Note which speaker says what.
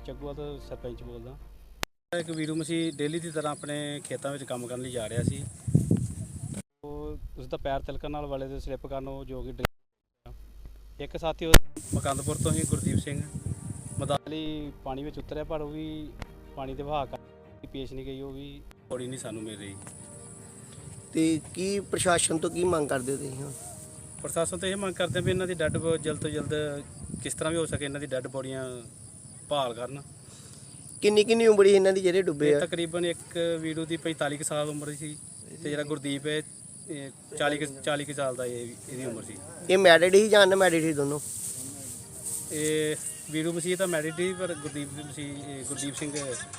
Speaker 1: ਚੱਗੂਆ ਤੋਂ ਸਰਪੰਚ ਬੋਲਦਾ। ਇੱਕ ਵੀਰੂ ਮਸੀਹ ਡੇਲੀ ਦੀ ਤਰ੍ਹਾਂ ਆਪਣੇ ਖੇਤਾਂ ਵਿੱਚ ਕੰਮ ਕਰਨ ਲਈ ਜਾ ਰਿਹਾ ਸੀ। ਉਹ ਉਸ ਦਾ ਪੈਰ ਤਿਲਕਣ ਨਾਲ ਵਾਲੇ ਦੇ ਸਲਿੱਪ ਕਰਨ ਉਹ ਜੋ ਕਿ ਇੱਕ ਸਾਥੀ ਉਹ ਮਕੰਦਪੁਰ ਤੋਂ ਹੀ ਗੁਰਦੀਪ ਸਿੰਘ ਮਦਾਲੀ ਪਾਣੀ ਵਿੱਚ ਉਤਰਿਆ, ਪਰ ਉਹ ਵੀ ਪਾਣੀ ਦੇ ਵਹਾਅ ਕਰਕੇ ਪੇਸ਼ ਨਹੀਂ ਗਈ, ਉਹ ਵੀ ਬੋਡੀ ਨਹੀਂ ਸਾਨੂੰ ਮਿਲ ਰਹੀ।
Speaker 2: ਤੇ ਕੀ ਪ੍ਰਸ਼ਾਸਨ ਤੋਂ ਕੀ ਮੰਗ ਕਰਦੇ ਹੋ ਤੁਸੀਂ ਹੁਣ?
Speaker 1: ਪ੍ਰਸ਼ਾਸਨ ਤੋਂ ਇਹ ਮੰਗ ਕਰਦੇ ਵੀ ਇਹਨਾਂ ਦੀ ਡੈੱਡ ਜਲਦ ਤੋਂ ਜਲਦ ਕਿਸ ਤਰ੍ਹਾਂ ਵੀ ਹੋ ਸਕੇ ਇਹਨਾਂ ਦੀ ਡੈੱਡ ਬੋਡੀਆਂ ਭਾਲ ਕਰਨ।
Speaker 2: ਕਿੰਨੀ ਉਮਰ ਸੀ ਇਹਨਾਂ ਦੀ ਜਿਹੜੇ ਡੁੱਬੇ ਆ?
Speaker 1: ਤਕਰੀਬਨ ਇੱਕ ਵੀਰੂ ਦੀ 45 ਕੁ ਸਾਲ ਉਮਰ ਸੀ ਤੇ ਜਿਹੜਾ ਗੁਰਦੀਪ ਹੈ 40 ਕੁ ਸਾਲ ਦਾ ਇਹਦੀ ਉਮਰ ਸੀ।
Speaker 2: ਇਹ ਮੈਰਿਡ ਹੀ ਜਾਂ ਅਨਮੈਰਿਡ ਸੀ ਦੋਨੋਂ?
Speaker 1: ਇਹ ਵੀਰੂ ਮਸੀਹ ਤਾਂ ਮੈਰਿਡ ਸੀ, ਪਰ ਗੁਰਦੀਪ ਸਿੰਘ